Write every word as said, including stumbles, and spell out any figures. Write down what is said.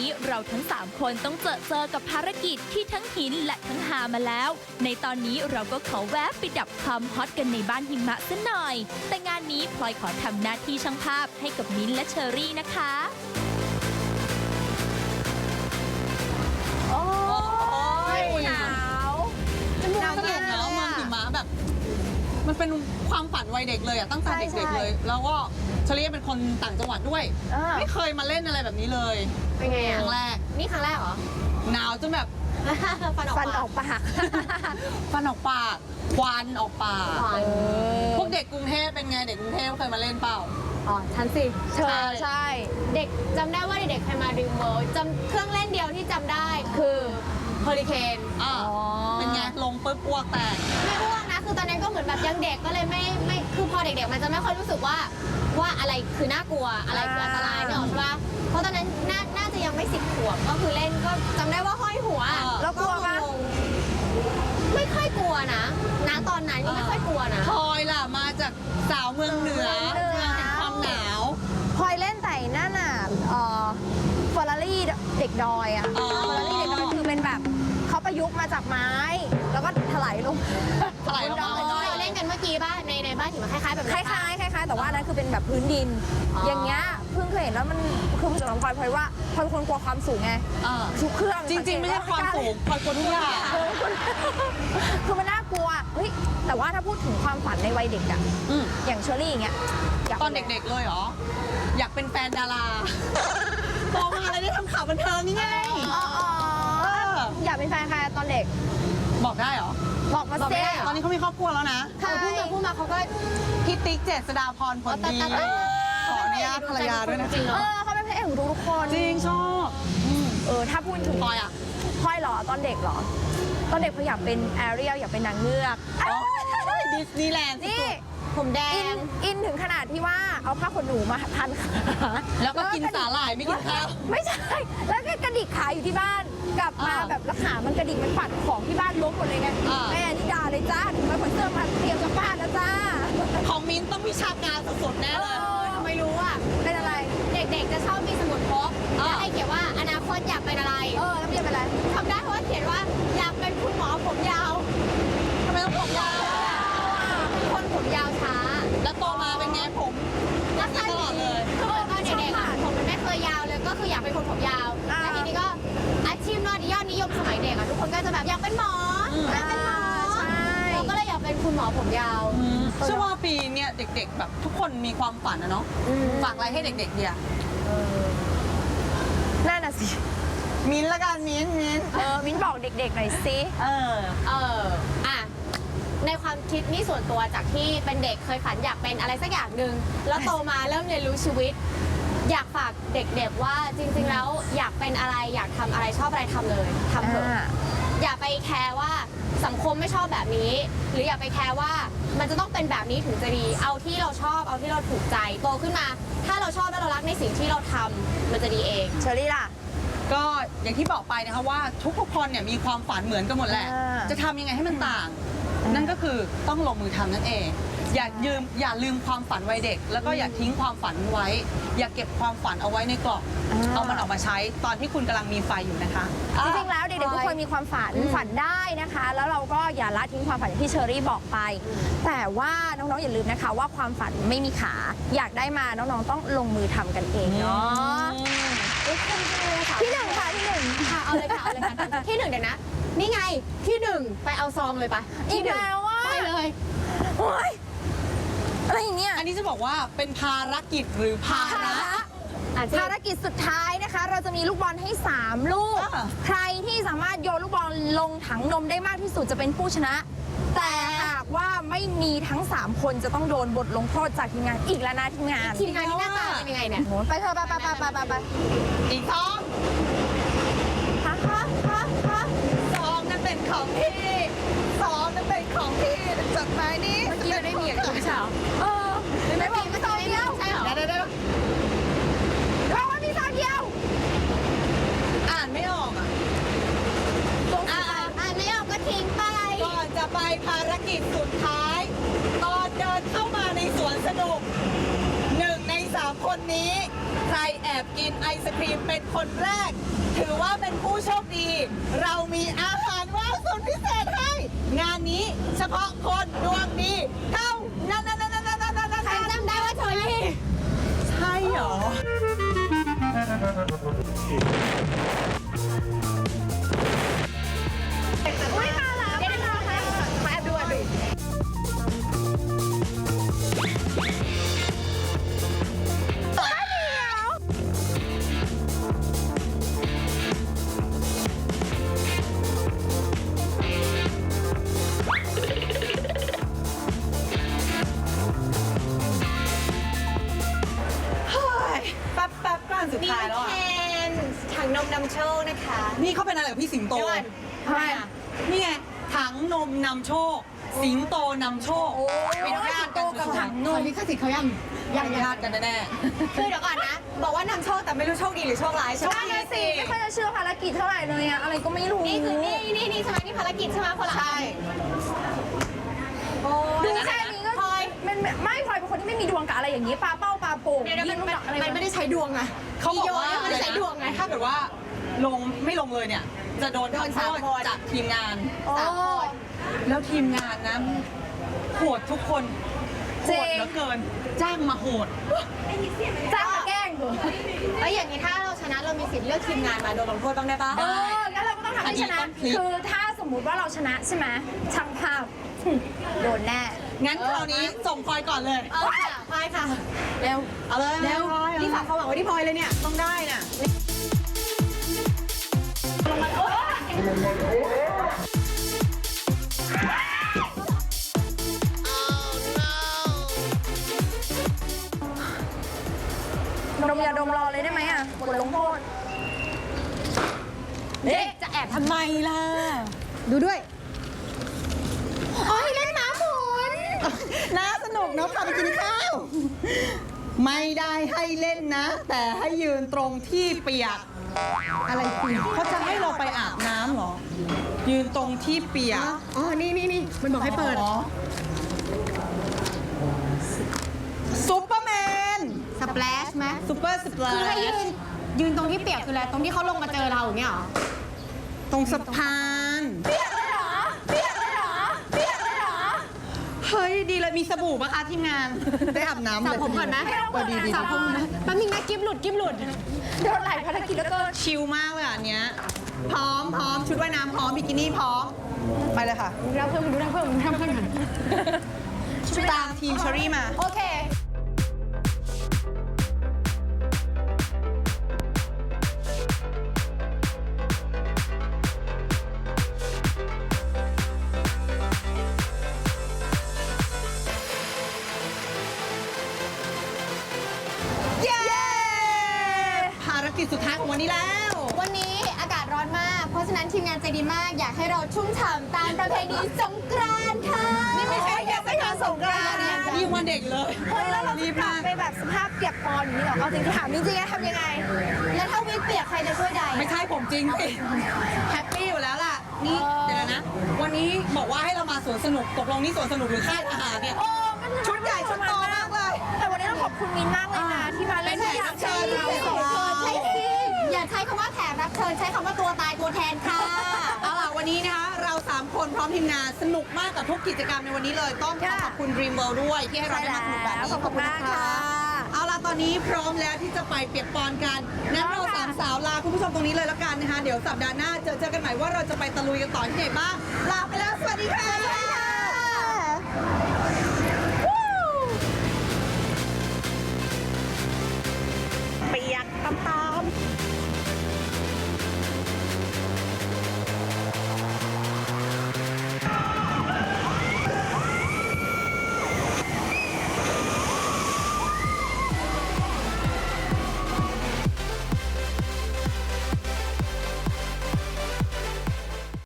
เราทั้งสามคนต้องเจอเจอกับภารกิจที่ทั้งหินและทั้งหามาแล้ว ในตอนนี้เราก็ขอแวะไปดับความฮอตกันในบ้านหิมะซะหน่อยแต่งานนี้พลอยขอทำหน้าที่ช่างภาพให้กับมิ้นท์และเชอรี่นะคะโอ้ยหนาวจมูกหนาวสนุมากกแล้แล้ววเมืมัองนหิมะแบบ มันเป็นความฝันวัยเด็กเลยอะตั้งแต่เด็กๆเลย แล้วก็เชอรี่เป็นคนต่างจังหวัดด้วย ไม่เคยมาเล่นอะไรแบบนี้เลยเป็นไงคอ่ะรั้งแรกนี่ครั้งแรกเหรอหนาวจนแบบฟันออกฟันออกปากฟันออกปากควันออกปากปากพวกเด็กกรุงเทพเป็นไงเด็กกรุงเทพเคยมาเล่นเปล่าอ๋อฉันสิเธอใช่เด็กจำได้ว่าเด็กๆเคยมาดรีมเวิลด์จำเครื่องเล่นเดียวที่จำได้คือเฮอริเคนอ่าอ๋อเป็นไงลงปุ๊บอ้วกแตกไม่อ้วกนะ คือตอนนั้นก็เหมือนแบบยังเด็กก็เลยไม่ไม่คือพอเด็กๆมันจะไม่ค่อยรู้สึกว่าว่าอะไรคือน่ากลัวอะไรคืออันตรายเนี่ยหรอกใช่ปะเพราะตอนนั้นน่าน่าจะยังไม่สิบขวบก็คือเล่นก็จำได้ว่าห้อยหัวอ่าแล้วกลัวปะงงๆไม่ค่อยกลัวนะณตอนนั้นก็ไม่ค่อยกลัวนะพลอยล่ะมาจากสาวเมืองเหนือเมืองเหนือเมืองแห่งความหนาวพลอยเล่นแต่นั่นน่ะเอ่อเฟอร์รารี่เด็กดอยอะอ๋อเฟอร์รารี่เด็กดอยคือเป็นแบบเขาประยุกต์มาจากไม้ แล้วก็ถลายลงถลายลงมาเหมือนที่เราเล่นกันเมื่อกี้ป่ะในในบ้านหิมะคล้ายๆแบบคนั้นปะล้ายๆคล้ายๆแต่ว่าอันนั้นคือเป็นแบบพื้นดินอ๋อออย่างเงี้ยเพิ่งเคยเห็นแล้วมันคือสำหรับพลอยพลอยว่าพลอยเป็นคนกลัวความสูงไงเออทุกเครื่องจริงๆ ไม่ใช่ความสูงพลอยกลัวทุกอย่างเออคือมันน่ากลัวเฮ้ยแต่ว่าถ้าพูดถึงความฝันในวัยเด็กอะอืมอย่างเชอรี่อย่างเงี้ยยาตอนเด็กๆเลยเหรอ อยากเป็นแฟนดาราโตมาแล้วได้ทำข่าวบันเทิงนี่ไงๆอ๋ออ๋อเอออยากเป็นแฟนใครตอนเด็กบอกได้เหรอบอกมาบอกสิไม่ได้เหรตอนนี้เขามีครอบครัวแล้วนะถ้าพูดมาพูดมาเขาก็พี่ติ๊กเจษฎาพรผลดีแต่แต่ขออนุญาตภรรยาด้วยนะจริงเหรเอออเขาเป็นพระเอกของทุกๆคนจริงชอบอืมเออถ้าพูดถึงพลอยอ่ะพลอยเหรอตอนเด็กเหรอ ตอนเด็กพลอยอยากเป็นแอเรียลอยากเป็นนางเงือกอ๋อดิสนีย์แลนด์สุนี่ดผมแดอินงอินถึงขนาดที่ว่าเอาผ้าขนหนูมาพันขาๆแล้วก็กินสาหร่ายไม่กินข้าวไม่ใช่ แล้วก็กระดิกขาอยู่ที่บ้าน กลับมาอ่าแบบแล้วขามันกระดิกมันปัดของที่บ้านล้มหมดเลยไงอ่าแม่นี่ด่าเลยจ้าถึงมาขนเสื้อมาเตรียมจะฟาดแล้วจ้าของมิ้นต้องวิชาการสุดๆแน่เลยเออทำไมรู้อ่ะเป็นอะไรเด็กๆจะชอบมีสมุดพกอ่าแล้วให้เขียนว่าอนาคตอยากเป็นอะไรเออแล้วมันจะเป็นอะไรทำได้เพราะว่าเขียนว่าอยากเป็นคุณหมอผมยาวทำไมต้องผมยาวเป็นคนผมยาวช้าแล้วโตมาเป็นไงผมแล้วตอนเด็กๆคือตอนเด็กๆอ่ะผมมันไม่เคยยาวเลยก็คืออยากเป็นคนผมยาวอ่าแล้วทีนี้ก็อาชีพยอดนิยมสมัยเด็กอ่ะทุกคนก็จะแบบอยากเป็นหมออยากเป็นหมอใช่เราก็เลยอยากเป็นคุณหมอผมยาวเชื่อว่าปีเนี่ยเด็กๆ แบบทุกคนมีความฝันนะเนาะอืมฝากอะไรให้เด็กๆดีอะนั่นน่ะสิมิ้นท์ละกันมิ้นท์มิ้นท์เออมิ้นบอกเด็กๆหน่อยสิเออเอออ่ะในความคิดนี่ส่วนตัวจากที่เป็นเด็กเคยฝันอยากเป็นอะไรสักอย่างหนึ่งแล้วโตมาเริ่มเรียนรู้ชีวิต อยากฝากเด็กๆว่าจริงๆแล้วอยากเป็นอะไรอยากทำอะไรชอบอะไรทำเลยทำเถอะอ่าอย่าไปแคร์ว่าสังคมไม่ชอบแบบนี้ หรืออย่าไปแคร์ว่ามันจะต้องเป็นแบบนี้ถึงจะดี เอาที่เราชอบเอาที่เราถูกใจโตขึ้นมา ถ้าเราชอบและเรารักในสิ่งที่เราทำมันจะดีเองเชอรี่ล่ะก็อย่างที่บอกไปนะคะว่าทุกๆคนเนี่ยมีความฝันเหมือนกันหมดแหละอ่าจะทำยังไงให้มันต่าง นั่นก็คือต้องลงมือทำนั่นเอง อย่ายืมอย่าลืมความฝันวัยเด็ก แล้วก็อย่าทิ้งความฝันไว้ อย่าเก็บความฝันเอาไว้ในกล่องอ่าเอามันออกมาใช้ตอนที่คุณกำลังมีไฟอยู่นะคะจริงๆ แล้วเด็กๆ ทุกคนมีความฝันฝันได้นะคะ แล้วเราก็อย่าละทิ้งความฝันอย่างที่เชอรี่บอกไป แต่ว่าน้องๆ อย่าลืมนะคะว่าความฝันไม่มีขา อยากได้มาน้องๆ ต้องลงมือทำกันเองเนาะเอ้ยคุณครูค่ะที่หนึ่งค่ะที่หนึ่งค่ะเอาเลยค่ะเอาเลยค่ะที่หนึ่งเดี๋ยวนะ นี่ไงที่หนึ่งไปเอาซองเลยปะอีที่กหนึ่งแล้วว่าไปเลยโอ๊ยอะไรอย่างเงี้ยอันนี้จะบอกว่าเป็นภารกิจหรือภาภาระระอ่ะภารกิจสุดท้ายนะคะ เราจะมีลูกบอลให้ สาม ลูกอ่าใครที่สามารถโยนลูกบอลลงถังนมได้มากที่สุดจะเป็นผู้ชนะ แต่หากว่าไม่มีทั้ง สาม คนจะต้องโดนบทลงโทษจากทีมงานอีกแล้วนะทีมงานทีมงานนี่หน้าตาเป็นยังไงเนี่ยโหไปเถอะไปไปไปไปไปไปอีกสองฮะฮะฮะฮะสองนั่นเป็นของพี่สองนั่นเป็นของพี่จดหมายนี้เมื่อกี้เราได้มีกับคุณไม่ใช่เหรอเออไม่บอกมีซองเดียวใช่เหรอเดี๋ยวเดี๋ยวเดี๋ยวบอกว่ามีซองเดียวอ่านไม่ออกอ่ะอ่ะอ่านไม่ออกก็ทิ้งไปก่อนจะไปภารกิจสุดท้าย ตอนเดินเข้ามาในสวนสนุกหนึ่งในสามคนนี้ ใครแอบกินไอศครีมเป็นคนแรกถือว่าเป็นผู้โชคดี เรามีอาหารว่างสุดพิเศษให้ งานนี้เฉพาะคนดวงดีเท่านั้นนั้นนั้นนั้นนั้นนั้นใครจำได้ว่าโทนี่ใช่เหรออุ้ยมาแล้วเดี๋ยวเราให้มาแอบดูอ่ะดูเฮ้ยแป๊บแป๊บก่อนสุดมีท้ายแล้วอ่ะแคนถังนมนำโชคนะคะนี่เขาเป็นอะไรกับพี่สิงโตเดี๋ยวก่อนทำไมอ่ะนี่ไงถังนมนำโชค สิงโตนำโชคเป็นญาติกันกับถังนมลิขสิทธิ์เขายังยังญาติกันแน่คือเดี๋ยวก่อนนะ บอกว่านำโชคแต่ไม่รู้โชคดีหรือโชคร้ายใช่ไหมนั่นน่ะสิไม่ค่อยจะเชื่อภารกิจเท่าไหร่เลยอะอะไรก็ไม่รู้นี่คือนี่นี่นี่ใช่ไหมนี่ภารกิจใช่ไหมคนละใช่โอ้ดูแค่นี้ก็พลอยมันไม่ไม่พลอยเป็นคนที่ไม่มีดวงกับอะไรอย่างนี้ปลาเป้าปลาโป่งเดี๋ยวเดี๋ยวยิมันงลูกมันดอกอะไรมันไม่ได้ใช้ดวงไงๆเขาบอกว่าโยนมันไม่ได้ใช้ดวงไงถ้าเกิดว่าลงไม่ลงเลยเนี่ย จะโดนโดนทำโทสามษคนจากทีมงานโอ้สามคนแล้วทีมงานนะโหดทุกคนโหจริดงเหลือเกิน จ้างมาโหดจ้างมาแกล้งเหรอเอ้ยอย่างนี้ถ้าเราชนะเรามีสิทธิ์เลือกทีมงานมาโดนลงโทษบ้างได้ปะเอองั้นเราก็ต้องทำให้ชนะอันนี้ต้องพลิกคือถ้าสมมุติว่าเราชนะใช่ไหมช่างภาพหึโดนแน่งั้นคราวนี้ส่งพลอยก่อนเลยเออค่ะพลอยค่ะ เร็วเอาเลยเร็ว นี่ฝากความหวังไว้ที่พลอยเลยเนี่ยต้องได้น่ะดมยาดมรอเลยได้ไหมอะบทลงโทษเอ๊ะจะแอบทำไมล่ะดูด้วยโอ้ยเล่นหมาหมุนน่าสนุกเนาะพาไปกินข้าว ไม่ได้ให้เล่นนะ แต่ให้ยืนตรงที่เปียก อะไรเปียกเขาจะให้เราไปอาบน้ำเหรอ ยืนตรงที่เปียกอ๋อ นี่นี่นี่มันบอกให้เปิดอ๋อซุปเปอร์แมนสเปลชไหมซุปเปอร์สปลาคือให้ยืน ยืนตรงที่เปียกคืออะไร ตรงที่เขาลงมาเจอเราอย่างเงี้ยเหรอตรงสะพาน เฮ้ย ดีเลยมีสบู่ปะคะทีมงาน ได้อาบน้ำสระเลยผมก่อนไหมเออดีดีสระผมนะแป๊บนึงนะกิ๊บหลุดกิ๊บหลุดโดนหลายภารกิจแล้วก็ชิลมากเลยอ่ะอันเนี้ย พร้อมพร้อมชุดว่ายน้ำพร้อมบิกินี่พร้อม ไปเลยค่ะดูแลเพื่อนดูแลเพื่อนดูแลเพื่อนกันตามทีมเชอรี่มาโอเคเย้ ภารกิจสุดท้ายของวันนี้แล้ววันนี้อากาศร้อนมาก เพราะฉะนั้นทีมงานใจดีมาก อยากให้เราชุ่มฉ่ำตามประเพณีสงกรานต์ค่ะนี่ไม่ใช่แค่ไปงานสงกรานต์นะนี่วันเด็กเลยเฮ้ยแล้วเรารีจะบกลัมาบกไปแบบสภาพเปียกปอนอย่างนี้เหรอเอาจริงๆถามจริงๆนะทำยังไงแล้วถ้าวิกเปียกใครจะช่วยใดไม่ใช่ผมจริงสิแฮปปี้อยู่แล้วล่ะ นี่เดี๋ยวนะ วันนี้บอกว่าให้เรามาสวนสนุก ตกลงนี่สวนสนุกหรือค่ายอาหารเนี่ยโอ้มันชุดใหญ่ชุดโตมากเลยแต่วันนี้ต้องขอบคุณมินมากเลยนะที่มาเล่นเป็นแขกรับเชิญเราพิเศษใช่สิอย่าใช้คำว่าแขกรับเชิญใช้คำว่าตัวตายตัวแทนค่ะเอาล่ะวันนี้นะคะเราสามคนพร้อมทีมงานสนุกมากกับทุกกิจกรรมในวันนี้เลย ต้องขอขอบคุณ Dream World ด้วยที่ให้เราได้มาสนุกแบบนี้ขอบคุณมากค่ะเอาล่ะตอนนี้พร้อมแล้วที่จะไปเปียกปอนกันงั้นเราสามสาวลาคุณผู้ชมตรงนี้เลยแล้วกันนะคะ เดี๋ยวสัปดาห์หน้าเจอเจอกันใหม่ว่าเราจะไปตะลุยกันต่อที่ไหนบ้างลาไปแล้ว